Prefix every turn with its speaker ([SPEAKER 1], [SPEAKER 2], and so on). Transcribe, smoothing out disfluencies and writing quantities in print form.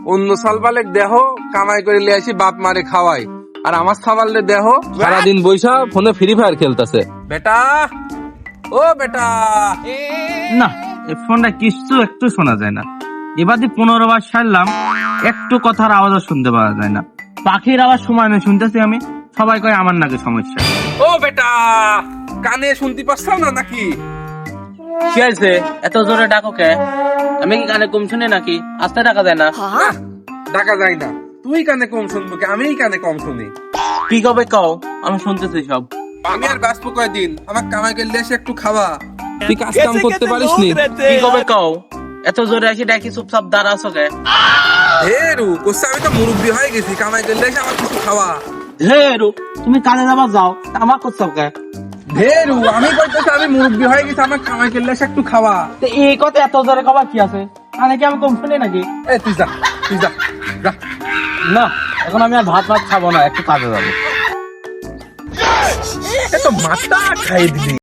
[SPEAKER 1] অন্য সালবালে দেহ কামাই করে লিয়ে আসি বাপ মারে খাওয়াই, আর আমার সাবালে দেহ সারাদিন বৈশা ফোনে ফ্রি ফায়ার খেলতেছে। বেটা, ও বেটা,
[SPEAKER 2] না এই ফোনটা কিছু একটু শোনা যায় না। এবার 15 বার সারলাম, একটু কথার আওয়াজ শুনতে পাওয়া যায় না। পাখির আওয়াজ সময় নেই শুনতেছি আমি, সবাই কয় আমার নাকি সমস্যা।
[SPEAKER 1] ও বেটা, কানে শুনতে পাচ্ছ না নাকি?
[SPEAKER 2] কি হয়েছে এত জোরে ডাকো কে? আমি কি কানে কম শুনি নাকি? আস্তে ডাকা যায় না?
[SPEAKER 1] না, ডাকা যায় না। তুই কানে কম শুনবো কি? আমি কানে কম শুনি।
[SPEAKER 2] কি কবে কও, আমি শুনতেছি সব।
[SPEAKER 1] আমি আর বাঁচবো কয়দিন? আমার কামাই করলে এসে একটু খাওয়া। তুই কাজ কাম করতে পারিস নি?
[SPEAKER 2] কি কবে কও, এত জোরে আসি ডাকি চুপচাপ দাঁড়াছো কে?
[SPEAKER 1] হেরু কোসা, আমি তো মুরব্বি হয়ে গেছি, কামাই করলে এসে আমার কিছু খাওয়া।
[SPEAKER 2] হে রু, তুমি কাজে যাবা যাও, আমার করছো কে?
[SPEAKER 1] হেরু, আমি বলতেছি আমি মুরব্বি হয়ে গেছি, আমার কামাই করলে এসে একটু খাওয়া।
[SPEAKER 2] তো এই কথা এত জোরে কবার কি আছে? কানে কি আমি কম শুনি নাকি?
[SPEAKER 1] এ তুই যা, তুই যা, যা।
[SPEAKER 2] না, এখন আমি আর ভাত খাবো না, একটু কাজে যাবো।
[SPEAKER 1] এ তো মাথা খাই দিলি।